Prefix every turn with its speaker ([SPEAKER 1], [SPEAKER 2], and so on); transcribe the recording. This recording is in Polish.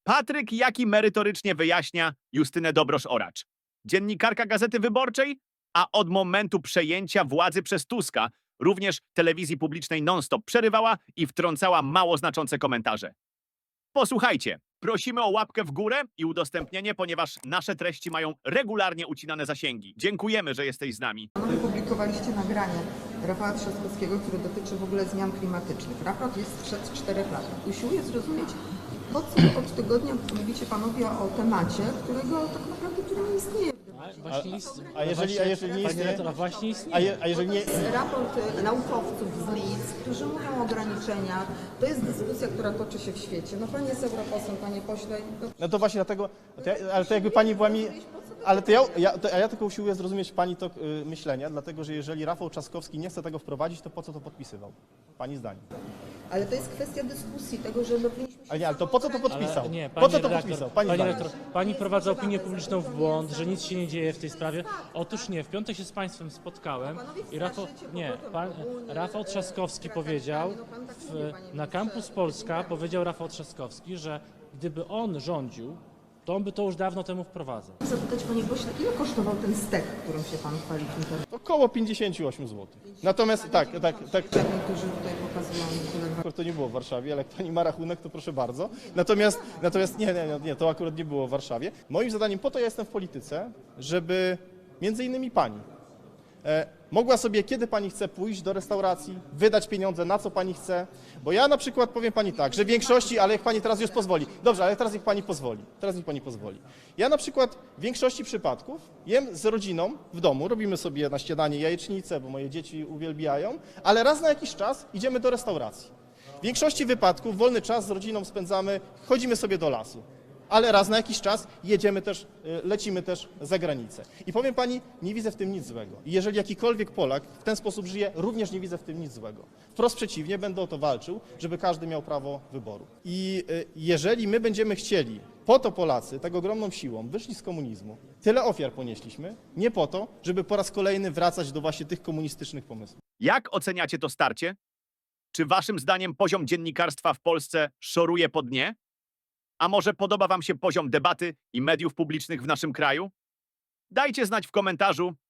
[SPEAKER 1] Patryk Jaki merytorycznie wyjaśnia Justynę Dobrosz-Oracz, dziennikarka Gazety Wyborczej, a od momentu przejęcia władzy przez Tuska również telewizji publicznej non-stop przerywała i wtrącała mało znaczące komentarze. Posłuchajcie, prosimy o łapkę w górę i udostępnienie, ponieważ nasze treści mają regularnie ucinane zasięgi. Dziękujemy, że jesteś z nami.
[SPEAKER 2] Opublikowaliście nagranie Rafała Trzaskowskiego, które dotyczy w ogóle zmian klimatycznych. Raport jest sprzed 4 lat. Usiłuję zrozumieć, po co od tygodnia mówicie panowie o temacie, którego tak naprawdę tu nie istnieje w debacie.
[SPEAKER 3] A jeżeli nie istnieje?
[SPEAKER 4] Właśnie istnieje.
[SPEAKER 3] A jeżeli nie...
[SPEAKER 2] To jest raport naukowców z Leeds, którzy mówią o ograniczeniach. To jest dyskusja, która toczy się w świecie. No pan jest europosłem, panie pośle.
[SPEAKER 3] No to właśnie dlatego, ale to jakby pani była mi... Ale to ja tylko usiłuję zrozumieć pani tok myślenia, dlatego że jeżeli Rafał Trzaskowski nie chce tego wprowadzić, to po co to podpisywał? Pani zdanie.
[SPEAKER 2] Ale to jest kwestia dyskusji, tego, że no powinniśmy się
[SPEAKER 3] Ale nie, ale to po co to
[SPEAKER 2] samoograniczyć.
[SPEAKER 3] podpisał?
[SPEAKER 4] Nie,
[SPEAKER 3] Po co to
[SPEAKER 4] redaktor,
[SPEAKER 3] podpisał? Pani
[SPEAKER 4] pani
[SPEAKER 3] zdanie.
[SPEAKER 4] redaktor, pani wprowadza opinię publiczną w błąd, że nic się nie dzieje w tej sprawie. Otóż nie, w piątek się z państwem spotkałem i Rafał Trzaskowski powiedział, na Campus Polska powiedział Rafał Trzaskowski, że gdyby on rządził, to on by to już dawno temu wprowadzał.
[SPEAKER 2] Zapytać panie pośle, ile kosztował ten stek, którym się pan chwali w internecie?
[SPEAKER 3] Około 58 zł. Natomiast tak.
[SPEAKER 2] Niektórzy tutaj pokazują tyle.
[SPEAKER 3] To nie było w Warszawie, ale jak pani ma rachunek, to proszę bardzo. Natomiast nie, to akurat nie było w Warszawie. Moim zadaniem, po to ja jestem w polityce, żeby między innymi pani mogła sobie, kiedy pani chce pójść do restauracji, wydać pieniądze na co pani chce, bo ja na przykład powiem pani tak, że w większości, ale jak pani teraz już pozwoli, dobrze, ale teraz niech pani pozwoli. Ja na przykład w większości przypadków jem z rodziną w domu, robimy sobie na śniadanie jajecznicę, bo moje dzieci uwielbiają, ale raz na jakiś czas idziemy do restauracji. W większości wypadków wolny czas z rodziną spędzamy, chodzimy sobie do lasu. Ale raz na jakiś czas lecimy też za granicę. I powiem pani, nie widzę w tym nic złego. I jeżeli jakikolwiek Polak w ten sposób żyje, również nie widzę w tym nic złego. Wprost przeciwnie, będę o to walczył, żeby każdy miał prawo wyboru. I jeżeli my będziemy chcieli, po to Polacy tak ogromną siłą wyszli z komunizmu, tyle ofiar ponieśliśmy, nie po to, żeby po raz kolejny wracać do właśnie tych komunistycznych pomysłów.
[SPEAKER 1] Jak oceniacie to starcie? Czy waszym zdaniem poziom dziennikarstwa w Polsce szoruje po dnie? A może podoba wam się poziom debaty i mediów publicznych w naszym kraju? Dajcie znać w komentarzu,